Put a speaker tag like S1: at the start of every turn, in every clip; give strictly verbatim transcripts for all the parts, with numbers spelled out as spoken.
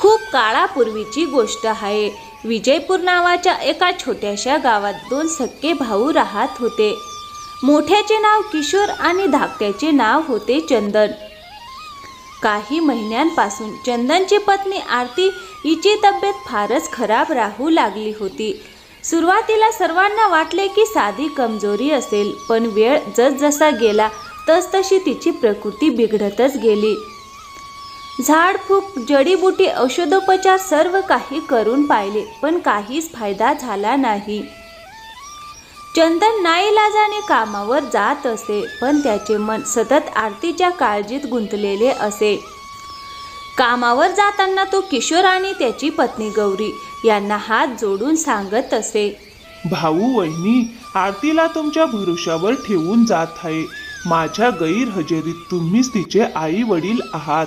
S1: खूप काळापूर्वीची गोष्ट आहे. विजयपूर नावाच्या एका छोट्याशा गावात दोन सख्खे भाऊ राहत होते. मोठ्याचे नाव किशोर आणि धाकट्याचे नाव होते चंदन. काही महिन्यांपासून चंदनची पत्नी आरती हिची तब्येत फारच खराब राहू लागली होती. सुरुवातीला सर्वांना वाटले की साधी कमजोरी असेल, पण वेळ जसजसा गेला तसतशी तिची प्रकृती बिघडतच गेली. झाडफूक, जडीबुटी, औषधोपचार सर्व काही करून पाहिले, पण काहीच फायदा झाला नाही. चंदन नाईलाजाने कामावर जात असे, पण त्याचे मन सतत आरतीच्या काळजीत गुंतलेले असे. कामावर जाताना तो किशोर आणि त्याची पत्नी गौरी यांना हात जोडून सांगत असे,
S2: भाऊ वहिनी, आरतीला तुमच्या भरोशावर ठेवून जात आहे. माझ्या गैरहजेरीत तुम्हीच तिचे आई वडील आहात.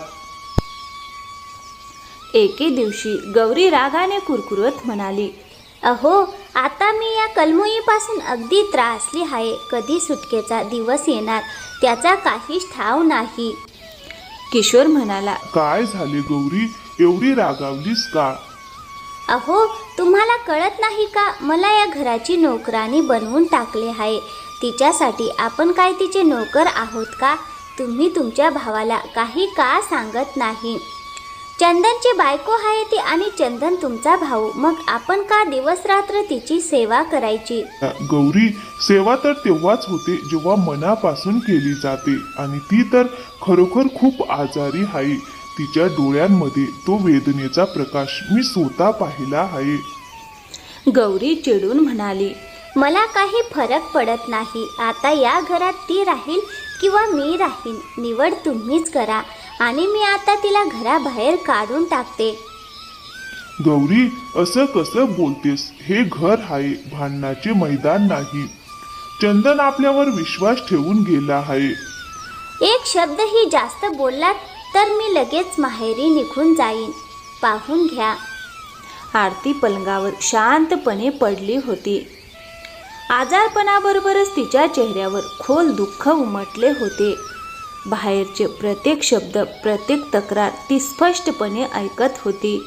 S1: एके दिवशी गौरी रागाने कुरकुरत म्हणाली,
S3: अहो, आता मी या कलमुईपासून अगदी त्रासली आहे. कधी सुटकेचा दिवस येणार त्याचा काहीच ठाव नाही.
S1: किशोर म्हणाला,
S2: काय झाले गौरी, एवढी रागावलीस का?
S3: अहो, तुम्हाला कळत नाही का, मला या घराची नोकरानी बनवून टाकले आहे. तिच्यासाठी आपण काय तिचे नोकर आहोत का? तुम्ही तुमच्या भावाला काही का सांगत नाही? चंदनची बायको आहे ती आणि चंदन तुमचा भाऊ, मग आपण का दिवस रात्र तिची सेवा करायची?
S2: गौरी, सेवा तर तेव्हाच होते जेव्हा मनापासून केली जाते, आणि ती तर खरोखर खूप आजारी आहे. तिच्या डोळ्यांमध्ये तो वेदनेचा प्रकाश मी स्वतः पाहिला आहे.
S1: गौरी चिडून म्हणाली,
S3: मला काही फरक पडत नाही. आता या घरात ती राहील किंवा मी राहीन, निवड तुम्हीच करा. आणि मी आता तिला घराबाहेर काढून टाकते.
S2: गौरी, असं कसं बोलतेस? हे घर आहे, भांडणाचे मैदान नाही. चंदन आपल्यावर विश्वास ठेवून गेला आहे.
S3: एक शब्दही जास्त बोललात तर मी लगेच माहेरी निघून जाईन. पाहून घ्या.
S1: आरती पलंगावर शांतपणे पडली होती. आजारपणाबरोबरच तिच्या चेहऱ्यावर खोल दुःख उमटले होते. बाहेरचे प्रत्येक शब्द, प्रत्येक तक्रार ती स्पष्टपणे ऐकत होती.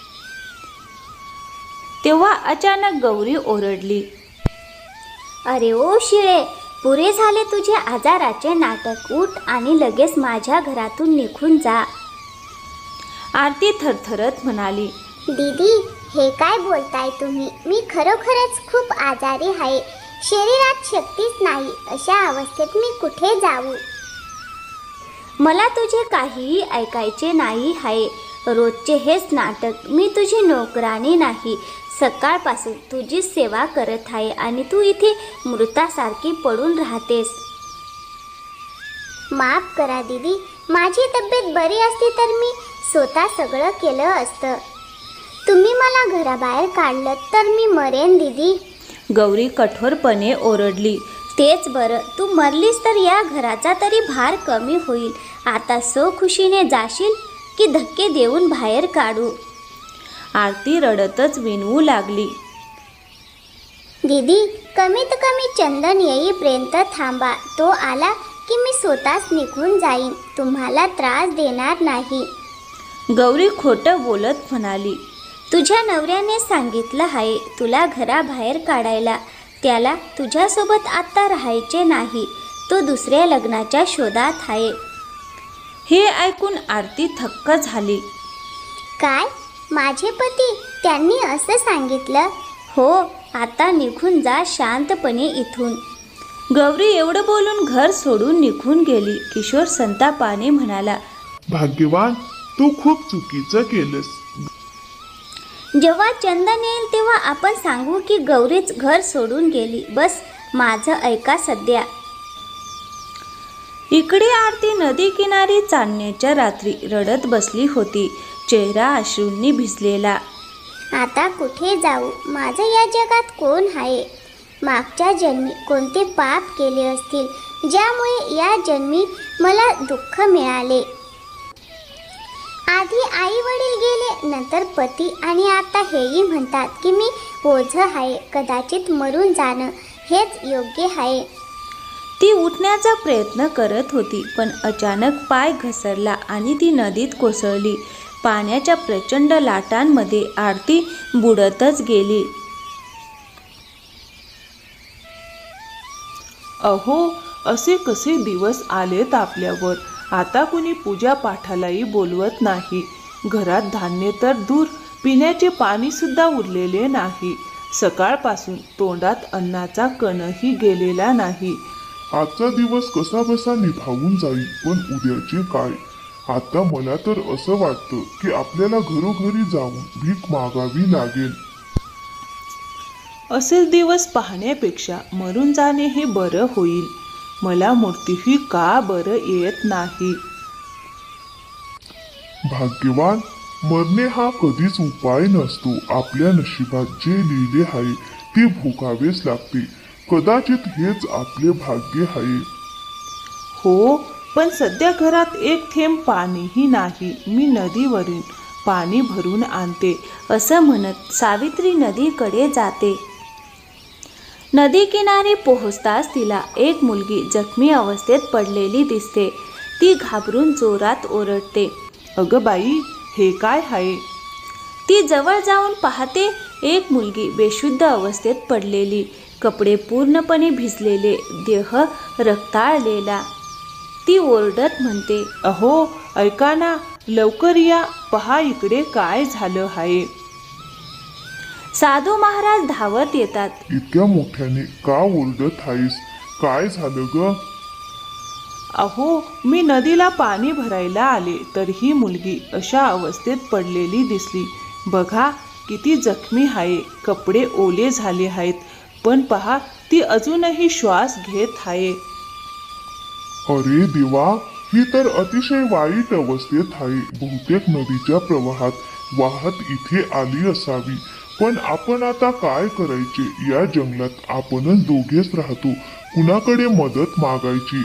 S1: तेव्हा अचानक गौरी ओरडली,
S3: अरे ओ शिळे, पुरे झाले तुझे आजाराचे नाटक. उठ आणि लगेच माझ्या घरातून निघून जा.
S1: आरती थरथरत म्हणाली,
S4: दीदी, हे काय बोलताय तुम्ही? मी खरोखरच खूप आजारी आहे. शरीरात शक्तीच नाही. अशा अवस्थेत मी कुठे जाऊ?
S3: मला तुझे काहीही ऐकायचे नाही आहे. रोजचे हेच नाटक. मी तुझी नोकरानी नाही. सकाळपासून तुझीच सेवा करत आहे आणि तू इथे मृतासारखी पडून राहतेस.
S4: माफ करा दीदी, माझी तब्येत बरी असती तर मी स्वतः सगळं केलं असतं. तुम्ही मला घराबाहेर काढलं तर मी मरेन दीदी.
S1: गौरी कठोरपणे ओरडली.
S3: तेच बरं, तू मरलीस तर या घराचा तरी भार कमी होईल. आता सो खुशीने जाशील की धक्के देऊन बाहेर काढू?
S1: आरती रडतच विनवू लागली,
S4: दीदी, कमीत कमी चंदन येईपर्यंत थांबा. तो आला की मी स्वतःच निघून जाईन. तुम्हाला त्रास देणार नाही.
S1: गौरी खोटं बोलत म्हणाली,
S3: तुझ्या नवऱ्याने सांगितलं आहे तुला घराबाहेर काढायला. त्याला तुझ्यासोबत आता राहायचे नाही. तो दुसऱ्या लग्नाच्या शोधात आहे.
S1: हे ऐकून आरती थक्क झाली.
S4: काय? माझे पती? त्यांनी असं सांगितलं?
S3: हो, आता निघून जा शांतपणे इथून.
S1: गौरी एवढं बोलून घर सोडून निघून गेली. किशोर संतापाने म्हणाला,
S2: भाग्यवान, तू खूप चुकीचं केलंस.
S3: जेव्हा चंदन येईल तेव्हा आपण सांगू की गौरीच घर सोडून गेली. बस माझं ऐका सध्या.
S1: इकडे आरती नदी किनारी चांदण्याच्या रात्री रडत बसली होती, चेहरा अश्रूंनी भिजलेला.
S4: आता कुठे जाऊ? माझं या जगात कोण आहे? मागच्या जन्मी कोणते पाप केले असतील ज्यामुळे या जन्मी मला दुःख मिळाले? आधी आई वडील गेले, नंतर पती, आणि आता हेही म्हणतात की मी ओझं आहे. कदाचित मरून जाणं हेच योग्य आहे.
S1: ती उठण्याचा प्रयत्न करत होती, पण अचानक पाय घसरला आणि ती नदीत कोसळली. पाण्याच्या प्रचंड लाटांमध्ये आरती बुडतच गेली.
S5: अहो, असे कसे दिवस आलेत आपल्यावर. आता कुणी पूजा पाठालाही बोलवत नाही. घरात धान्य तर दूर, पिण्याचे पाणी सुद्धा उरलेले नाही. सकाळपासून तोंडात अन्नाचा कणही गेलेला नाही.
S2: आजचा दिवस कसा बसा निभावून जाईल, पण उद्याचे काय? आता मला तर असं वाटतं की आपल्याला घरोघरी जाऊन भीक मागावी लागेल.
S5: असे दिवस पाहण्यापेक्षा मरून जाणे हे बरं होईल. मला मूर्तीही का बरं येत नाही.
S2: भाग्यवान, मरणे हा कधीच उपाय नसतो. आपल्या नशिबात जे लिहिले आहे ते भोगावेच लागते. कदाचित हेच आपले भाग्य आहे.
S5: हो, पण सध्या घरात एक थेंब पाणीही नाही. मी नदीवरून पाणी भरून आणते.
S1: असं म्हणत सावित्री नदीकडे जाते. नदी किनारी पोहोचताच तिला एक मुलगी जखमी अवस्थेत पडलेली दिसते. ती घाबरून जोरात ओरडते.
S5: अगं बाई, हे काय आहे?
S1: ती जवळ जाऊन पाहते, एक मुलगी बेशुद्ध अवस्थेत पडलेली, कपडे पूर्णपणे भिजलेले, देह रक्ताळलेला. ती ओरडत म्हणते,
S5: अहो, ऐका ना, लवकर या, पहा इकडे काय झालं आहे.
S1: साधू महाराज धावत येतात.
S2: इतक्या मोठ्याने का ओरडत आहेस? काय झालं ग?
S5: अहो, मी नदीला पाणी भरायला आले तर ही मुलगी अशा अवस्थेत पडलेली दिसली. बघा किती जखमी आहे, कपडे ओले झाले आहेत, पण पहा ती अजूनही श्वास घेत आहे.
S2: अरे देवा, ही तर अतिशय वाईट अवस्थेत आहे. बहुतेक नदीच्या प्रवाहात वाहत इथे आली असावी. पण आपण आता काय करायचे? या जंगलात आपणच दोघेच राहतो, कुणाकडे मदत मागायची?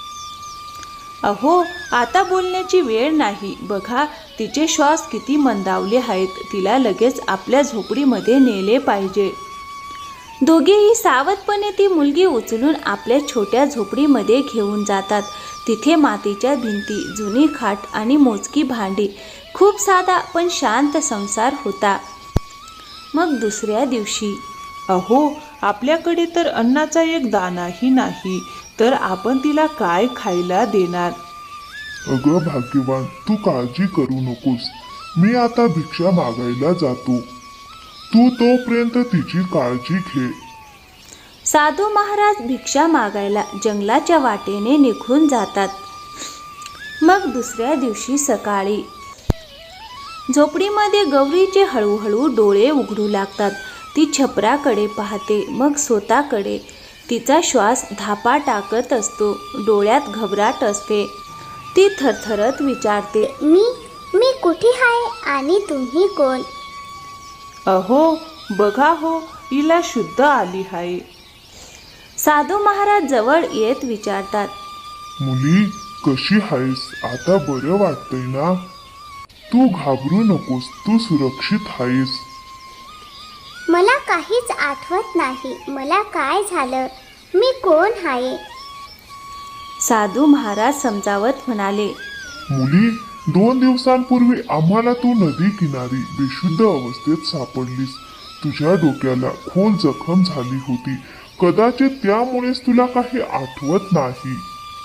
S1: अहो, आता बोलण्याची वेळ नाही. बघा तिचे श्वास किती मंदावले आहेत. तिला लगेच आपल्या झोपडीमध्ये नेले पाहिजे. दोघेही सावधपणे ती मुलगी उचलून आपल्या छोट्या झोपडीमध्ये घेऊन जातात. तिथे मातीच्या भिंती, जुनी खाट आणि मोजकी भांडी. खूप साधा पण शांत संसार होता. मग दुसऱ्या दिवशी,
S5: अहो, आपल्याकडे तर अन्नाचा एक दाणाही नाही, तर आपण तिला काय खायला देणार?
S2: अगं भाग्यवान, तू काळजी करू नकोस. मी आता भिक्षा मागायला जातो. तू तोपर्यंत तिची काळजी घे.
S1: साधू महाराज भिक्षा मागायला जंगलाच्या वाटेने निघून जातात. मग दुसऱ्या दिवशी सकाळी झोपडीमध्ये गौरीचे हळूहळू डोळे उघडू लागतात. ती छपराकडे पाहते, मग स्वतःकडे. तिचा श्वास धापा टाकत असतो, डोळ्यात घबराट असते. ती थरथरत विचारते,
S4: मी मी कुठे आहे आणि तुम्ही कोण?
S5: अहो, बघा हो, हिला शुद्ध आली आहे.
S1: साधू महाराज जवळ येत विचारतात,
S2: मुली, कशी आहेस? आता बरं वाटतंय ना? तू घाबरू नकोस, तू सुरक्षित आहेस.
S4: मला काहीच आठवत नाही. मला काय झालं? मी कोण आहे?
S1: साधू महाराज समजावत म्हणाले,
S2: मुली, दोन दिवसांपूर्वी आम्हाला तू नदी किनारी बेशुद्ध अवस्थेत सापडलीस. तुझ्या डोक्याला खोल जखम झाली होती. कदाचित त्यामुळेच तुला काही आठवत नाही.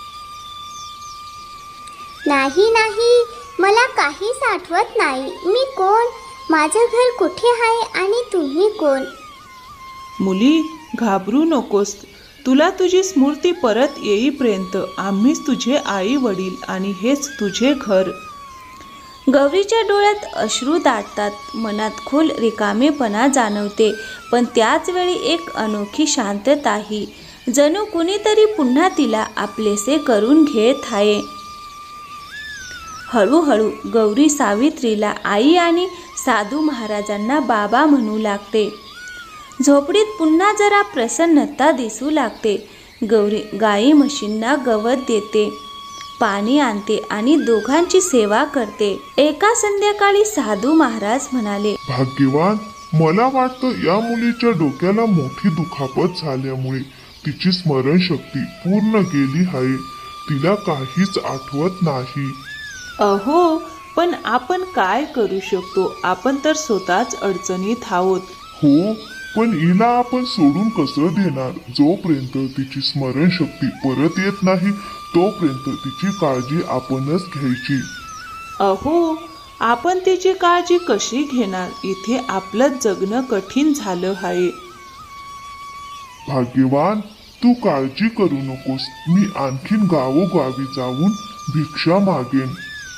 S4: नाही नाही, मला काहीच आठवत नाही. मी कोण? माझं घर कुठे आहे आणि तुम्ही कोण?
S5: मुली, घाबरू नकोस. तुला तुझी स्मृती परत येईपर्यंत आम्हीच तुझे आई वडील आणि हेच तुझे घर.
S1: गौरीच्या डोळ्यात अश्रू दाटतात. मनात खोल रिकामेपणा जाणवते, पण त्याच वेळी एक अनोखी शांतताही. जणू कुणीतरी पुन्हा तिला आपलेसे करून घेत आहे. हळूहळू गौरी सावित्रीला आई आणि साधू महाराजांना बाबा म्हणू लागते. झोपडीत पुन्हा जरा प्रसन्नता दिसू लागते. गौरी गाई म्हशींना गवत देते, पाणी आणते आणि दोघांची सेवा करते. एका संध्याकाळी साधू महाराज म्हणाले,
S2: भाग्यवान, मला वाटतं या मुलीच्या डोक्याला मोठी दुखापत झाल्यामुळे तिची स्मरणशक्ती पूर्ण गेली आहे. तिला काहीच आठवत नाही.
S5: अहो, पण आपण काय करू शकतो? आपण तर स्वतःच अडचणीत आहोत.
S2: हो, पण हिला आपण सोडून कसं देणार? जोपर्यंत तिची स्मरणशक्ती परत येत नाही तोपर्यंत तिची काळजी आपणच घ्यायची.
S5: अहो, आपण तिची काळजी कशी घेणार? इथे आपलं जगणं कठीण झालं आहे.
S2: भाग्यवान, तू काळजी करू नकोस. मी आणखीन गावोगावी जाऊन भिक्षा मागेन.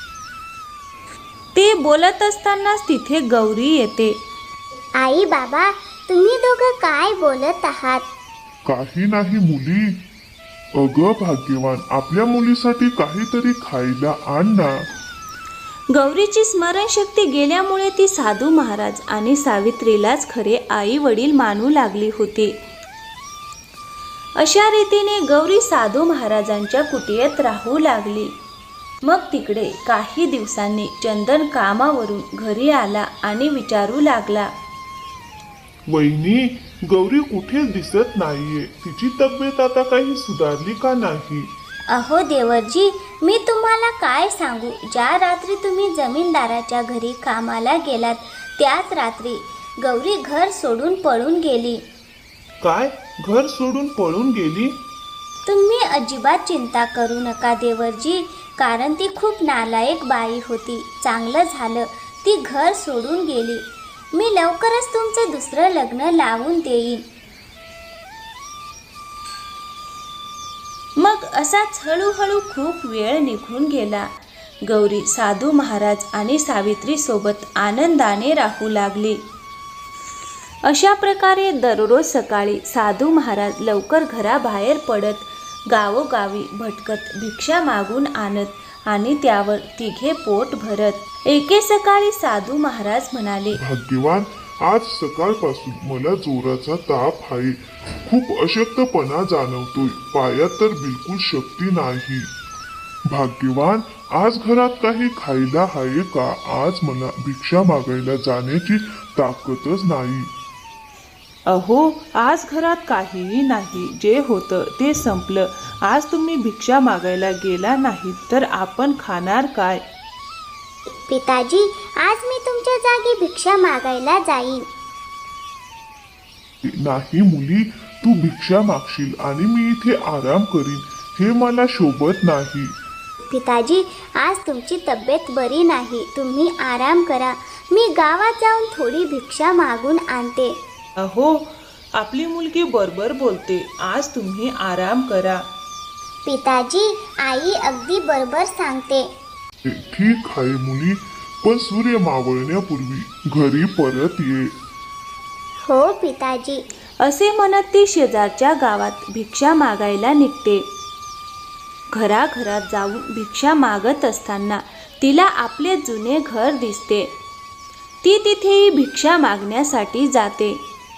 S1: ते बोलत असतानाच तिथे गौरी येते.
S4: आई बाबा, तुम्ही दोघं काय बोलत आहात?
S2: काही नाही मुली. अगं भाग्यवान, आपल्या मुलीसाठी काहीतरी खायला आण ना.
S1: गौरीची स्मरणशक्ती गेल्यामुळे ती साधू महाराज आणि सावित्रीलाच खरे आई वडील मानू लागली होती. अशा रीतीने गौरी साधू महाराजांच्या कुटियात राहू लागली. मग तिकडे काही दिवसांनी चंदन कामावरून घरी आला आणि विचारू लागला,
S2: वहिनी, गौरी कुठेच दिसत नाहीये. तिची तब्येत आता काही सुधारली का नाही?
S3: अहो देवरजी, मी तुम्हाला काय सांगू. ज्या रात्री तुम्ही जमीनदाराच्या घरी कामाला गेलात त्याच रात्री गौरी घर सोडून पळून गेली.
S2: काय? घर सोडून पळून गेली?
S3: तुम्ही अजिबात चिंता करू नका देवरजी, कारण ती खूप नालायक बाई होती. चांगलं झालं ती घर सोडून गेली. मी लवकरच तुमचे दुसरं लग्न लावून देईन.
S1: मग असाच हळूहळू खूप वेळ निघून गेला. गौरी साधू महाराज आणि सावित्री सोबत आनंदाने राहू लागली. अशा प्रकारे दररोज सकाळी साधू महाराज लवकर घराबाहेर पडत गावोगावी भटकत भिक्षा मागून आणत आणि त्यावर तिघे पोट भरत. एके सकाळी साधू महाराज म्हणाले,
S2: भाग्यवान, आज सकाळपासून मला जोराचा ताप आहे. खूप अशक्तपणा जाणवतोय. पायात तर बिलकुल शक्ती नाही. भाग्यवान, आज घरात काही खायला आहे का? आज मला भिक्षा मागायला जाण्याची ताकदच नाही.
S5: अहो, आज घरात काहीही नाही. जे होतं ते संपलं. आज तुम्ही भिक्षा मागायला गेला नाही तर आपण खाणार काय?
S4: पिताजी, आज मी तुमच्या जागी भिक्षा मागायला जाईन.
S2: नाही मुली, तू भिक्षा मागशील आणि मी इथे आराम करीन, हे मला शोभत नाही.
S4: पिताजी, आज तुमची तब्येत बरी नाही. तुम्ही आराम करा. मी गावात जाऊन थोडी भिक्षा मागून आणते.
S5: अहो, आपली मुलगी बरोबर बोलते. आज तुम्ही आराम करा.
S4: पिताजी, आई अगदी बरोबर सांगते.
S2: ठीक आहे मुली, पण सूर्य मावळण्यापूर्वी घरी परत ये.
S4: हो पिताजी.
S1: असे म्हणत ती शेजारच्या गावात भिक्षा मागायला निघते. घराघरात जाऊन भिक्षा मागत असताना तिला आपले जुने घर दिसते. ती तिथेही भिक्षा मागण्यासाठी जाते.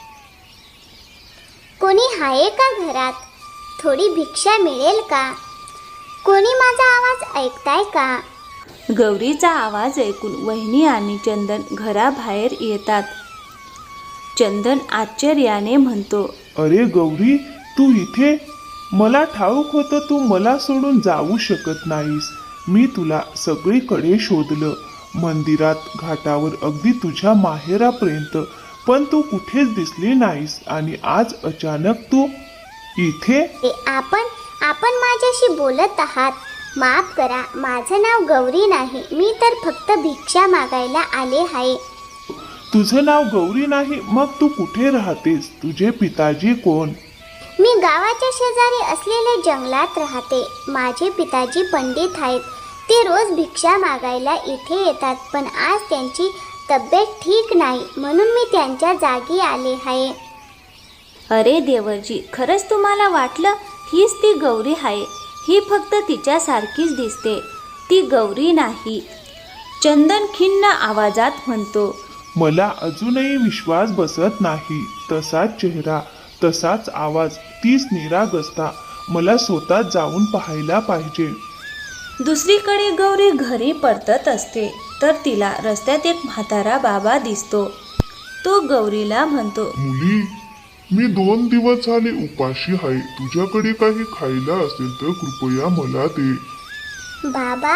S4: कोणी आहे का घरात? थोडी भिक्षा मिळेल का? कोणी माझा आवाज ऐकताय का?
S1: गौरीचा आवाज ऐकून वहिनी आणि चंदन घराबाहेर येतात. चंदन आश्चर्याने म्हणतो,
S2: अरे गौरी, तू इथे? मला ठाऊक होतं तू मला सोडून जाऊ शकत नाहीस. मी तुला सगळीकडे शोधलं, मंदिरात, घाटावर, अगदी तुझ्या माहेरापर्यंत, पण तू कुठेच दिसली नाहीस आणि आज अचानक तू इथे?
S4: ए, आपण आपण माझ्याशी बोलत आहात. माफ करा, माझं नाव गौरी नाही. मी तर फक्त भिक्षा मागायला आले आहे.
S2: तुझं नाव गौरी नाही? मग तू कुठे राहतेस? तुझे पिताजी कोण?
S4: मी गावाच्या शेजारी असलेल्या जंगलात राहते. माझे पिताजी पंडित आहेत. ते रोज भिक्षा मागायला इथे येतात, पण आज त्यांची तब्येत ठीक नाही म्हणून मी त्यांच्या जागी आले आहे.
S1: अरे देवरजी, खरंच तुम्हाला वाटलं हीच ती गौरी आहे? ही फक्त तिच्यासारखीच दिसते, ती गौरी नाही. चंदन खिन्न आवाजात म्हणतो,
S2: मला अजूनही विश्वास बसत नाही. तसाच चेहरा, तसाच आवाज, तीच निरागसता. मला स्वतः जाऊन पाहायला पाहिजे.
S1: दुसरीकडे गौरी घरी परतत असते तर तिला रस्त्यात एक म्हातारा बाबा दिसतो. तो गौरीला म्हणतो,
S2: मुली, मी दोन दिवस झाले उपाशी आहे. तुझ्याकडे काही खायला असेल तर कृपया मला दे.
S4: बाबा,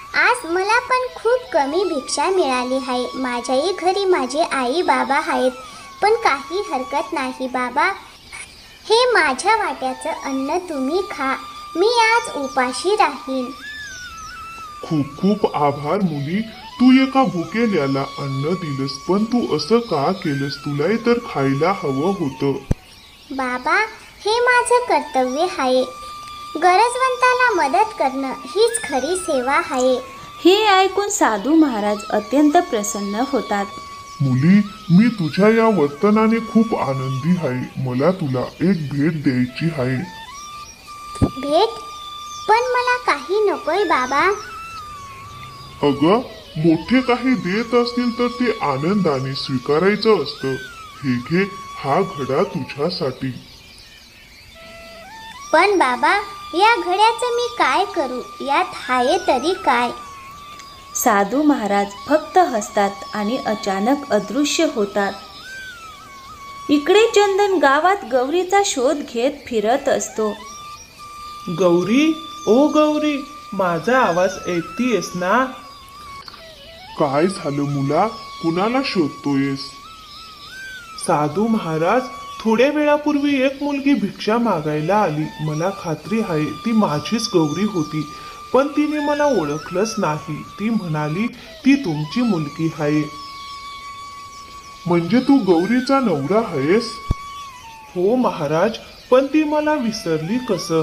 S4: आज मला पण खूप कमी भिक्षा मिळाली आहे. माझ्याही घरी माझे आई बाबा आहेत, पण काही हरकत नाही बाबा. हे माझ्या वाट्याचं अन्न तुम्ही खा. मी आज उपाशी राहीन.
S2: खूप खूप आभार मुली. तू एका भुकेल्याला अन्न दिलंस, पण तू असं का केलंस? तुलाही तर खायला हवं होतं.
S4: बाबा, हे माझं कर्तव्य आहे. गरजवंताला मदत करणं हीच खरी सेवा आहे.
S1: हे ऐकून साधू महाराज अत्यंत प्रसन्न होतात.
S2: मुली, मी तुझ्या या वर्तनाने खूप आनंदी आहे. मला तुला एक भेट द्यायची आहे.
S4: भेट? पण मला काही नकोय बाबा.
S2: अगं, मोठे काही देत असतील तर ते आनंदाने स्वीकारायचं असतं. हे घे, हा घडा तुझ्यासाठी.
S4: पण बाबा, या घड्याचं मी काय करू? यात आहे तरी काय?
S1: साधू महाराज फक्त हसतात आणि अचानक अदृश्य होतात. इकडे चंदन गावात गौरीचा शोध घेत फिरत असतो.
S5: गौरी, ओ गौरी, माझा आवाज ऐकतीयस ना?
S2: काय झालं मुला? कुणाला शोधतोयस?
S5: साधू महाराज, थोड्या वेळापूर्वी एक मुलगी भिक्षा मागायला आली. मला खात्री आहे ती माझीच गौरी होती, पण तिने मला ओळखलंच नाही. ती म्हणाली ती तुमची मुलगी आहे.
S2: म्हणजे तू गौरीचा नवरा आहेस?
S5: हो महाराज, पण ती मला विसरली कसं?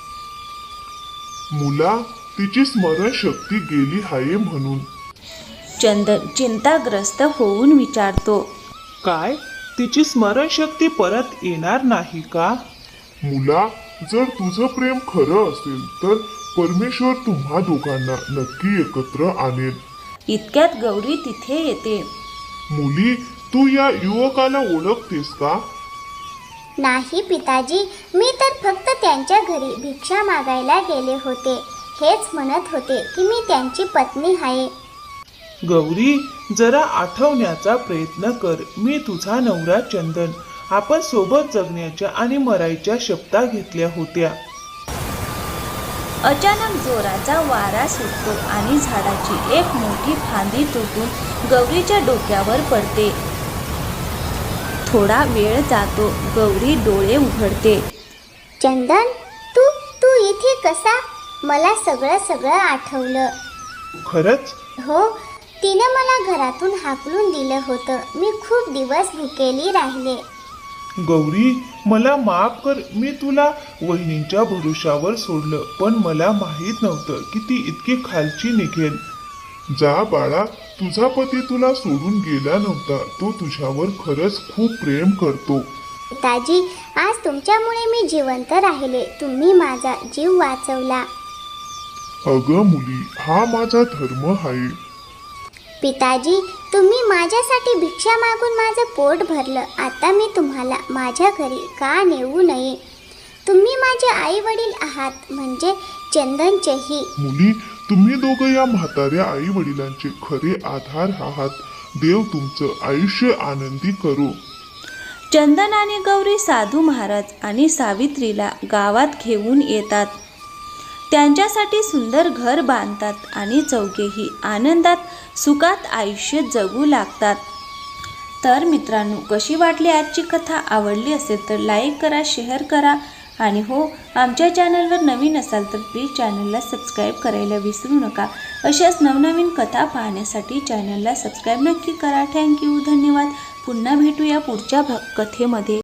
S2: मुला, तिची स्मरणशक्ती गेली आहे म्हणून.
S1: चंदन चिंताग्रस्त होऊन विचारतो.
S5: काय? तिची स्मरणशक्ती परत येणार नाही का?
S2: मुला, जर तुझं प्रेम खरं असेल तर परमेश्वर तुम्हा दोघांना नक्की एकत्र आणेल.
S1: इतक्यात गौरी तिथे येते.
S2: मुली, तू या युवकाला ओळखतेस का?
S4: नाही पिताजी, मी तर फक्त त्यांच्या घरी भिक्षा मागायला गेले होते. हेच म्हणत होते की मी त्यांची पत्नी आहे.
S5: गौरी, जरा आठवण्याचा प्रयत्न कर. मी तुझा नवरा चंदन. आपण सोबत जगण्याच्या आणि मरायच्या शपथा घेतल्या होत्या.
S1: अचानक जोराचा वारा सुटतो आणि झाडाची एक मोठी फांदी तुटून गौरीच्या डोक्यावर पडते. थोडा वेळ जातो. गौरी डोळे उघडते.
S4: चंदन, तू तू इथे कसा? मला सगळं सगळं आठवलं.
S5: खरंच?
S4: हो, तिनं मला घरातून हाकलून दिलं होतं. मी खूप दिवस भुकेली राहिले.
S5: गौरी, मला माफ कर. मी तुला वहिनींच्या भरोशावर सोडलं, पण मला माहीत नव्हतं की ती इतकी खालची निघेल.
S2: जा बाळा, तुझा पती तुला सोडून गेला नव्हता. तो तुझ्यावर खरंच खूप प्रेम करतो.
S4: पिताजी, आज तुमच्यामुळे मी जिवंत राहिले. तुम्ही माझा जीव वाचवला.
S2: अगं मुली, हा माझा धर्म आहे.
S4: पिताजी, तुम्ही माझ्यासाठी भिक्षा मागून माझं पोट भरलं. आता मी तुम्हाला माझ्या घरी का नेऊ नये? तुम्ही माझे आई वडील आहात, म्हणजे चंदनचेही.
S2: मुली, तुम्ही दोघं या म्हाताऱ्या आई वडिलांचे खरे आधार आहात. देव तुमचं आयुष्य आनंदी करो.
S1: चंदन आणि गौरी साधू महाराज आणि सावित्रीला गावात घेऊन येतात. त्यांच्यासाठी सुंदर घर बांधतात आणि चौघेही आनंदात सुखात आयुष्य जगू लागतात. तर मित्रांनो, कशी वाटली आजची कथा? आवडली असेल तर लाईक करा, शेअर करा आणि हो, आमच्या चॅनलवर नवीन असाल तर प्लीज चॅनलला सबस्क्राईब करायला विसरू नका. अशाच नवनवीन कथा पाहण्यासाठी चॅनलला सबस्क्राईब नक्की करा. थँक्यू, धन्यवाद. पुन्हा भेटूया पुढच्या भा कथेमध्ये.